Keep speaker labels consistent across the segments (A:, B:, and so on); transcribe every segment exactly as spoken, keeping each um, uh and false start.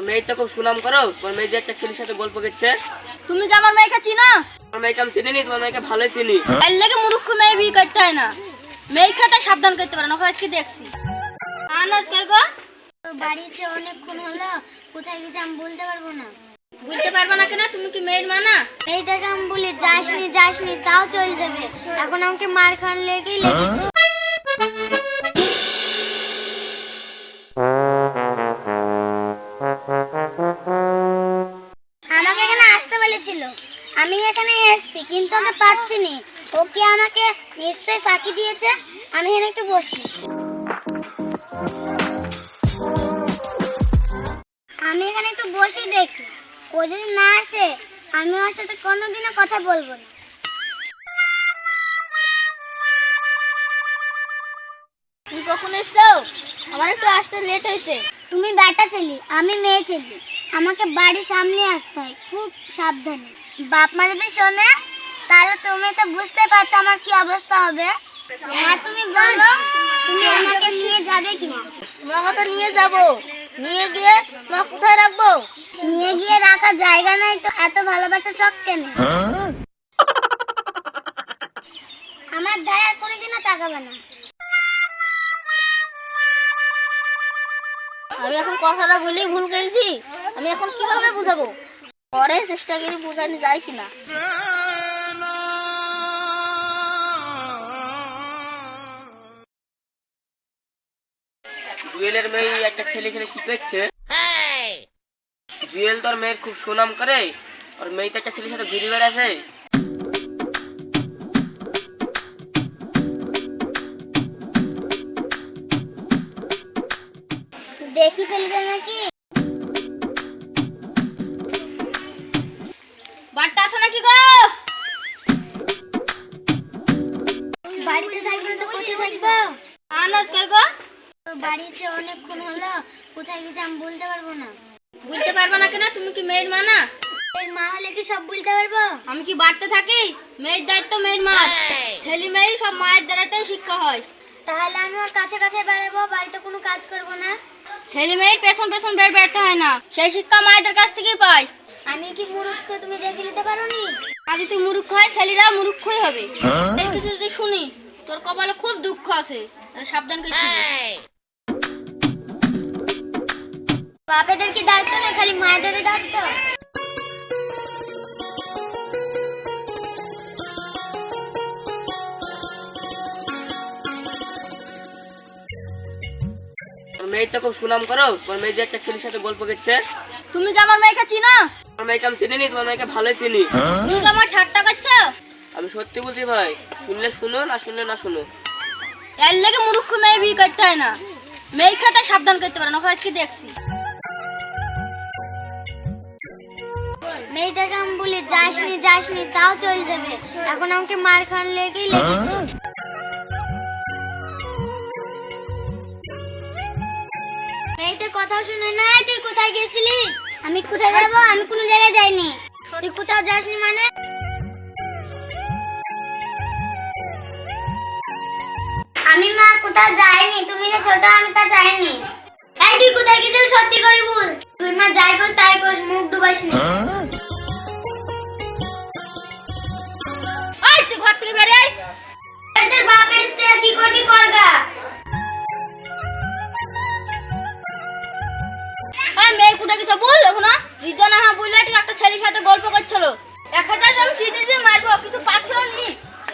A: মেয়েটা খুব সুনাম করো, তোমার মেয়ে যে একটা ছেলের সাথে গল্প করছে।
B: তুমি কি আমার মেয়েকে চিনো?
A: তোমার মেয়েকে আমি চিনি নি, তোমার মেয়েকে ভালোই চিনি।
B: এর লেগে মূর্খ মেয়ে বিয়ে করতে হয় না, মেয়ে খাতে সাবধান করতে পারে না। আজকে দেখছি আনাজ কই গো?
C: বাড়িতে অনেকক্ষণ হলো, কোথায় গেছে আমি বলতে পারবো না।
B: বলতে পারবে না কেন? তুমি কি মেয়ের মা না?
C: এইটাকে আমি বলি যাসনি যাসনি তাও চলে যাবে, এখন আমাকে মার খান লেগেই লেগেছে। আমাকে এখানে আসতে বলেছিল, আমি এখানে এসেছি কিন্তু ওকে পাচ্ছি নি। ও কি আমাকে নিশ্চয়ই ফাঁকি দিয়েছে। আমি এখানে একটু বসি। আমি এখানে একটু বসে দেখি, ও যদি না আসে আমি ওর সাথে কোনোদিনও কথা বলবো না।
B: তুমি কখন এসছো? আমার একটু আসতে লেট হয়েছে।
C: তুমি বেটা ছেলে, আমি মেয়ে ছেলে, আমাকে বাড়ির সামনে আসতে হয় খুব সাবধানে। বাপ মা যদি শোনে তাহলে তুমি তো বুঝতে পারছো আমার কি অবস্থা হবে। হ্যাঁ তুমি বলো, তুমি আমাকে নিয়ে যাবে কিনা?
B: তোমাকে তো নিয়ে যাবো, নিয়ে গিয়ে মা কোথায় রাখবো?
C: নিয়ে গিয়ে রাখার জায়গা নাই তো এত ভালোবাসা শখ কেন? আমার ধারে আর কোনোদিনও তাকাবে না।
B: আমি এখন কথাটা বলেই ভুল করেছি, আমি এখন কিভাবে বুঝাবো? পরে চেষ্টা করি বোঝানো যায় কিনা।
A: জুয়েলের মেয়ে একটা ছেলে খেলে কি করছে? জুয়েল তোর মেয়ের খুব সুনাম করে, আর মেয়ে তো একটা ছেলের সাথে ঘুরে বেড়াছে।
C: দেখি ফেলবে নাকি?
B: বাড়িতে আসো নাকি গো?
C: বাড়িতে থাকবে না তো কোথায় থাকবো?
B: আনাজ কই গো?
C: বাড়িতে অনেকক্ষণ হলো, কোথায় গেছে আমি বলতে পারবো না।
B: বলতে পারবে না কেন? তুমি কি মেয়ের মা না?
C: এর মা হলে কি সব বলতে পারবো?
B: আমি কি বাড়তে থাকি? মেয়ের দায়িত্ব মেয়ের মা, ছেলে মেয়ে সব মায়ের দ্বারাতেই শিক্ষা হয়।
C: তাহলে আমি ওর কাছে কাছে বেড়াবো, বাড়িতে কোনো কাজ করব না।
B: ছেলে মেয়ের পেছন পেছন বের বেড়াতে হয় না, সেই শিক্ষা মায়েদের কাছ থেকেই পায়।
C: আমি কি মূর্খ তুমি দেখে নিতে পারোনি?
B: আজ তুই মুরুক্ষ হয়, ছেলেরা মুরুক্ষই হবে। এই কিছু যদি শুনি তোর কপালে খুব দুঃখ আছে, তাহলে সাবধান করে
C: বাপেদের কি দায়িত্ব না, খালি মায়েদের দায়িত্ব?
A: তোর মেয়েটা খুব সুনাম করো, তোমার মেয়ে যে একটা ছেলের সাথে গল্প করছে।
B: তুমি কি আমার মেয়েকে চিনো?
A: তোমার মেয়েকে আমি চিনি নি, তোমার মেয়েকে ভালোই চিনি।
B: তুমি কি আমার ঠাট্টা করছো?
A: আমি সত্যি বলছি ভাই, শুনলে শুনো, না শুনলে না শুনো।
B: এর লেগে মূর্খ মেয়ে বিয়ে করতে হয় না, মেয়ে খাতে সাবধান করতে পারে না। আজকে দেখছি
C: মেয়েটাকে আমি বলি যাসনি যাসনি তাও চলে যাবে, এখন আমাকে মার খান লেগেই লেগেছে। মেয়েটা কথা শুনে না। তুই কোথায় গেছিলি? আমি কোথায় যাবো? আমি কোনো জায়গায় যাইনি। তুই কোথাও যাসনি মানে? আমি মা কোথাও যাইনি, তুমি যে ছোট আমি তা যাইনি। এই তুই কোথায় গেছিলি সত্যি করে বল। তুই মা যাই কর তাই কর, মুখ ডুবাসনি।
B: এই তুই ঘর থেকে বেরিয়ে আয়।
C: তোর বাপ এসছে, আর কি করবি করগা।
B: এই মেয়ে কোথায় গেছে বল এখন? রিজনা হ্যাঁ বললে ঠিক একটা ছেলের সাথে গল্প করছিল। এক হাজার আমি চিঠি দিয়ে মারবো, কিছু পাচ্ছিল নি।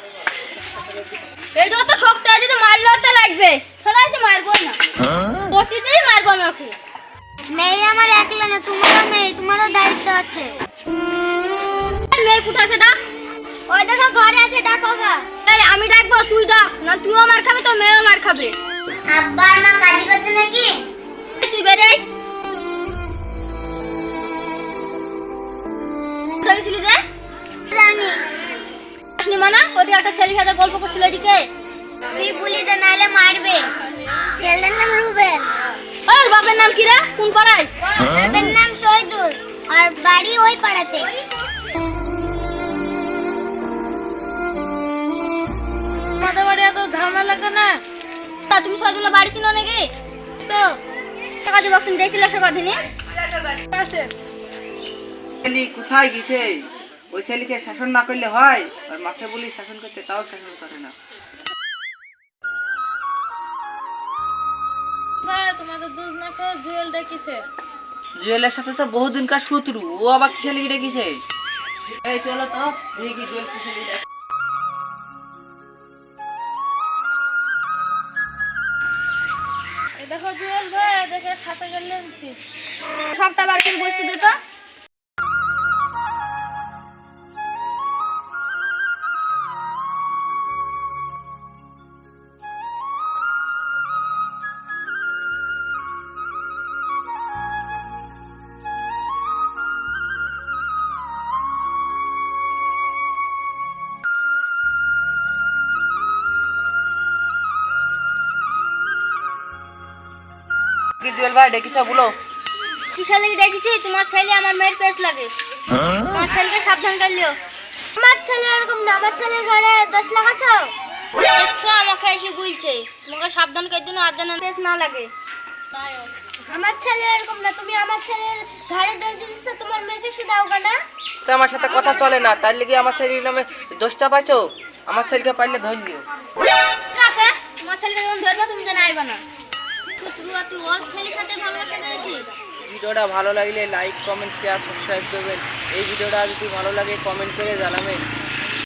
B: এইটা তো শক্ত আছে, যদি মারলেও তো লাগবে, সবাই তো মারবো না, প্রতিদিনই মারবো আমি ওকে।
C: মেয়ে আমার একলা না, তোমারও মেয়ে, তোমারও দায়িত্ব আছে।
B: মেয়ে কোথায় আছে ডাক?
C: ওই দেখো ঘরে আছে, ডাকো গা।
B: এই আমি ডাকবো, তুই ডাক, না তুইও মার খাবে তোর মেয়েও মার খাবে।
C: আব্বা আর মা কাজী করছে নাকি?
B: এই তুই বেরে আয়। কোথায় গেছিলি রে?
C: জানি
B: আসনি মানা, ওদিকে একটা ছেলের সাথে গল্প করছিল। এদিকে
C: তুই বলি দে, নাহলে মারবে। ছেলের নাম রুবেল।
B: ওর বাপের নাম কি রে? কোন পাড়ায়?
C: বাপের নাম শহীদুল, আর বাড়ি ওই পাড়াতে।
B: আমাদের বাড়ি এত ঝামেলা কেন? তা তুমি ছয়জনের বাড়ি ছিল নাকি? তো টাকা দিবস দেখিলে সে বাঁধিনি।
D: ছেলে কোথায় গেছে? ওই ছেলেকে শাসন না করলে হয়? আর মাঠে বলি শাসন করতে, তাও শাসন করে না। জুয়েলের সাথে তো বহুদিনকার শত্রু, ও আবার কিসে লিখে ডেকেছে? এই চলো তো দেখি জুয়েল কিসে লিখে।
B: দেখো জুয়েল ভাই, দেখে সাথে গেলে সবটা বার করে বসতে দে তো।
D: কি জুয়েল ভাই ডেকেছ বলো?
B: কিসের লেগে দেখেছি? তোমার ছেলে আমার মেয়ের পেছ লাগে। তোমার ছেলেকে সাবধান করলিও। আমার ছেলে এরকম না, আমার ছেলের ঘরে দোষ লাগাছো। দেখছো আমাকে এসে গুলছে, তোমাকে সাবধান করে দিন আর যেন পেছ না লাগে। আমার ছেলে এরকম না, তুমি আমার ছেলের ঘরে দোষ দিচ্ছ, তোমার মেয়েকে শুধাও না।
D: তো আমার সাথে কথা চলে না, তার লেগে আমার ছেলের নামে দোষটা পাইছো? আমার ছেলেকে পাইলে ধরলিও।
B: কাকে? তোমার ছেলেকে যখন ধরবো তুমি যেন আইবা না। তুই তুই ওর ছেলের সাথে ভালোবাসা করেছিস।
D: ভিডিওটা ভালো লাগলে লাইক কমেন্ট শেয়ার সাবস্ক্রাইব করবেন। এই ভিডিওটা যদি ভালো লাগে কমেন্ট করে জানাবেন।